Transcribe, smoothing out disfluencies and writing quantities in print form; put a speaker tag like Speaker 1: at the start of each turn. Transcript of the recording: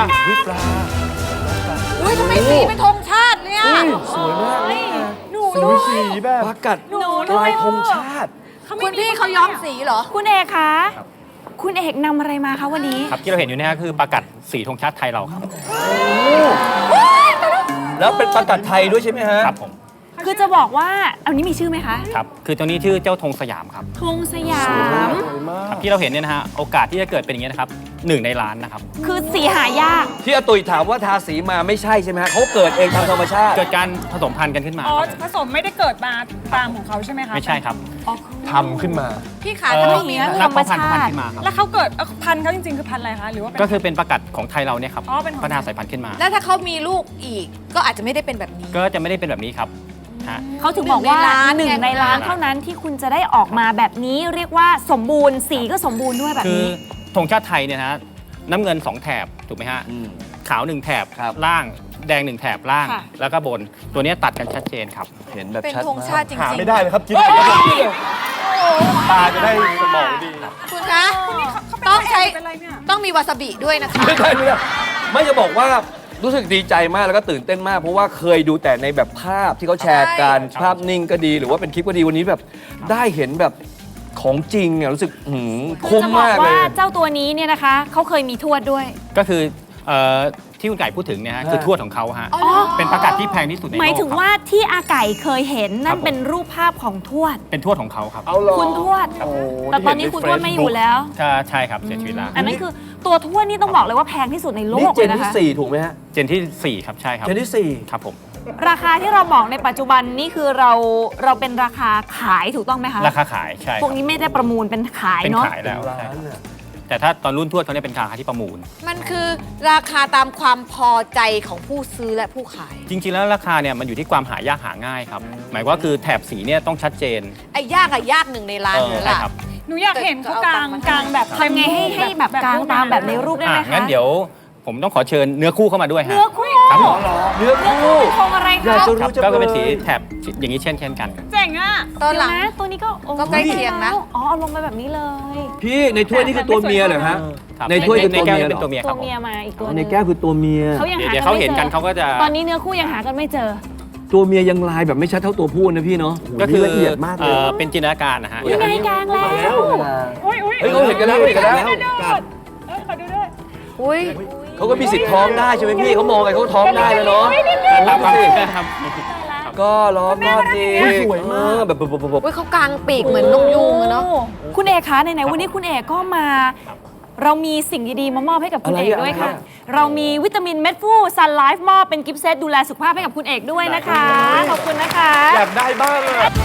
Speaker 1: วิปลา
Speaker 2: อุ้ยทำไมสีเป็นธงชาติเนี่ย
Speaker 1: สวยมากเลย
Speaker 2: หนู
Speaker 1: สวยสีแบบปากัดลายธงชาติ
Speaker 2: คุณพี่เขาย้อมสีเหรอ
Speaker 3: คุณเอกคะคุณเอกนำอะไรมาคะวันนี้
Speaker 4: ครับที่เราเห็นอยู่นี่คือปากัดสีธงชาติไทยเราครับ
Speaker 1: แล้วเป็นปากัดไทยด้วยใช่ไหมฮะ
Speaker 4: ครับผม
Speaker 3: คือจะบอกว่าอันนี้มีชื่อไหมคะ
Speaker 4: ครับคือตัวนี้ชื่อเจ้าธงสยามครับ
Speaker 3: ธงสยาม
Speaker 4: ครับที่เราเห็นเนี่ยนะฮะโอกาสที่จะเกิดเป็นอย่างนี้ยนะครับ1 ในล้านนะครับ
Speaker 3: คือสีหายาก
Speaker 1: ที่อาตุยถามว่าทาสีมาไม่ใช่ใช่ไหมฮะเขาเกิดเองตามธรรมชาติ
Speaker 4: เกิดการผสมพันธุ์กันขึ้นมา
Speaker 5: อ๋อ
Speaker 4: ครับ
Speaker 5: ผสมไม่ได้เกิดมาตามของเขาใช่ไหมคะ
Speaker 4: ไม่ใช่ครับ
Speaker 1: ทำขึ้นมา
Speaker 2: พี่ขาถ้าไม่มี
Speaker 4: นักเพาะพันธุ์ขึ้นมาครับ
Speaker 5: แล้วเขาเกิดพันธุ์เขาจริงๆคือพันธุ์อะไรคะหรือว่าเป็น
Speaker 4: ก็คือเป็นปากัดของไทยเราเนี่ยครับ
Speaker 5: อ๋อเป็นของ
Speaker 4: พัฒนาสายพันธุ์ขึ้นมา
Speaker 2: แล้วถ้าเขามีลูกอีก ก็อาจจะไม่ได้เป็นแบบนี้
Speaker 4: ก็จะไม่ได้เป็นแบบนี้ครับฮะ
Speaker 3: เขาถึงบอกว่า
Speaker 2: หนึ่งในล้าน
Speaker 3: 1 ในล้านเท่านั้นที่คุณจะได้ออกมาแบบนี้เรียกว่าสมบูรณ์สีก็สมบูรณ์ด้วยแบบ
Speaker 4: คือ
Speaker 3: นี้
Speaker 4: ธงชาติไทยเนี่ยนะฮะน้ำเงิน2 แถบถูกไหมฮะ
Speaker 1: อืม
Speaker 4: ขาว1 แถบ
Speaker 1: ครับ
Speaker 4: ล่างแดง1 แถบล่าง
Speaker 3: ค่ะ
Speaker 4: แล้วก็บนตัวเนี้ยตัดกันชัดเจนครับ
Speaker 1: เห็นแบบ
Speaker 2: เป็น
Speaker 1: ชัด
Speaker 2: ธงชาติจริงๆ
Speaker 1: หาไม่ได้เลยครับกินตาจะได้สมองดี
Speaker 2: คุณคะต้องใช้
Speaker 5: เป็นอะไรเนี่ย
Speaker 2: ต้องมีวาซาบิด้วยนะคะ
Speaker 1: ไม่ได้เลยไม่จะบอกว่ารู้สึกดีใจมากแล้วก็ตื่นเต้นมาก เพราะว่าเคยดูแต่ในแบบภาพที่เขาแชร์กัน
Speaker 4: ใช่
Speaker 1: ภาพนิ่งก็ดี หรือว่าเป็นคลิปก็ดีวันนี้แบบได้เห็นแบบของจริงอ่ะรู้สึกคุ้ม
Speaker 3: จะบอก
Speaker 1: มากเล
Speaker 3: ว่าย เจ้าตัวนี้เนี่ยนะคะเขาเคยมีทวดด้วย
Speaker 4: ก็คือที่คุณไก่พูดถึงเนี่ยฮะคือทวดของเขาฮะ
Speaker 2: อ๋อเหรอ
Speaker 4: เป็นปากัดที่แพงที่สุดในโลก
Speaker 3: หมายถึง
Speaker 4: ครับ
Speaker 3: ว่าที่อาไก่เคยเห็นนั่
Speaker 4: ครั
Speaker 3: น
Speaker 4: บผม
Speaker 3: เป็นรูปภาพของทวด
Speaker 4: เป็นทวดของเขาครับ
Speaker 1: เอาเหรอ
Speaker 3: คุณทวด
Speaker 1: โอ้
Speaker 3: แต่ตอนนี้คุณทวดไม่อยู่แล้ว
Speaker 4: ก็ใช่ครับเสียชีวิตแล้ว
Speaker 3: อันนั้นคือตัวทวดนี่ต้องบอกเลยว่าแพงที่สุดในโล
Speaker 1: นี่
Speaker 3: ก
Speaker 1: เจ
Speaker 3: เลย
Speaker 1: น
Speaker 3: นะ
Speaker 1: ที่
Speaker 3: คะ
Speaker 1: 4 ถูกไหมฮะ
Speaker 4: เจนที่ 4 ครับใช่ครับ
Speaker 1: เจนที่
Speaker 4: ครับผม
Speaker 3: ราคาที่เราบอกในปัจจุบันนี่คือเราเป็นราคาขายถูกต้องไหมคะ
Speaker 4: ราคาขายใช่
Speaker 3: พวกนี้ไม่ได้ประมูลเป็นขาย
Speaker 4: เป็น
Speaker 3: เนาะ
Speaker 4: ขายแล้ว
Speaker 1: 4 ล้า
Speaker 4: ใช่
Speaker 1: น
Speaker 4: ครับ
Speaker 1: อะ
Speaker 4: แต่ถ้าตอนรุ่นทวดเขาเนี่ยเป็นราคาที่ประมูล
Speaker 2: มันคือราคาตามความพอใจของผู้ซื้อและผู้ขาย
Speaker 4: จริงๆแล้วราคาเนี่ยมันอยู่ที่ความหายากหาง่ายครับหมายว่าคือแถบสีเนี่ยต้องชัดเจน
Speaker 2: ไอ้ยากอะยาก1 ในล้านเลย
Speaker 4: ใช่
Speaker 2: ล่ะ
Speaker 4: ครับ
Speaker 5: หนูอยากเห็นเขากลางแบบ
Speaker 3: ทำไงให้แบบกลางตามแบบในรูปได้ไหมคะ
Speaker 4: งั้นเดี๋ยวผมต้องขอเชิญเนื้อคู่เข้ามาด้วยฮะ
Speaker 3: เนื้อคู่
Speaker 4: ครับผม
Speaker 1: เนื้อคู่
Speaker 3: คงอะไร
Speaker 1: อยาก
Speaker 3: คะ
Speaker 1: จะ
Speaker 4: ครั
Speaker 1: รู้
Speaker 4: บ
Speaker 1: จัง
Speaker 4: ก็เป็น
Speaker 1: เล
Speaker 4: สี
Speaker 1: ย
Speaker 4: แถบอย่างนี้เช่นกัน
Speaker 5: เจ๋งอ่ะ
Speaker 2: ตอนหลัง
Speaker 3: เดี๋ยวนะตัวนี้ก็โอ้
Speaker 2: ก็ใกล้เคียงนะ
Speaker 3: อ๋อเอาลงไปแบบนี้เลย
Speaker 1: พี่ในถ้วยนี่คือตัวเมียเหรอฮะ
Speaker 4: ครับ
Speaker 1: ในถ้วยคือ
Speaker 4: ใน
Speaker 1: ตัว
Speaker 4: แก้ว
Speaker 1: เมีย
Speaker 4: เป็นตัวเมียค
Speaker 3: ตั
Speaker 4: รั
Speaker 3: ว
Speaker 4: บผม
Speaker 3: เมียมาอีกตัวห
Speaker 1: ใน
Speaker 3: นึง
Speaker 1: แก้วคือตัวเมีย
Speaker 3: เขายังหา
Speaker 4: เดี๋ยว
Speaker 3: กั
Speaker 4: เขา
Speaker 3: นไม่
Speaker 4: เห็น
Speaker 3: เจ
Speaker 4: กัน
Speaker 3: อ
Speaker 4: เขาก็จะ
Speaker 3: ตอนนี้เนื้อคู่ยังหากันไม่เจอ
Speaker 1: ตัวเมียยังลายแบบไม่ชัดเท่าตัวผู้นะพี่เนาะ
Speaker 4: ก็คือ
Speaker 1: ละเอียดมากเลย
Speaker 4: เป็นจินตนาการนะฮะ
Speaker 3: ยังไงกลางแล้ว
Speaker 5: อุ้ย
Speaker 1: เฮ้ยเขาเห็นกันแล้วเห็นกันแล้ว
Speaker 5: ขอดูด้วย
Speaker 2: อุ้ย
Speaker 1: เขาก็มีสิทธิ์ท้องได้ใช่ไหมพี่เขามองไงเขาท้องได้แล้วเนาะ
Speaker 4: ครับ
Speaker 1: ดูสิ
Speaker 4: ครับ
Speaker 1: ก็ล้อมรอบดี
Speaker 4: สวยมาก
Speaker 1: แบบ
Speaker 2: อุ้ยเขากางปีกเหมือนนกยูงอะเนาะ
Speaker 3: คุณเอกคะไหนๆวันนี้คุณเอกก็มา เรามีสิ่งดีๆมามอบให้กับคุณเอกด้วยค่ะ เรามีวิตามินเม็ดฟูซันไลฟ์มอบเป็นกิฟต์เซตดูแลสุขภาพให้กับคุณเอกด้วยนะคะ ขอบคุณนะคะ
Speaker 1: อยากได้บ้างอะ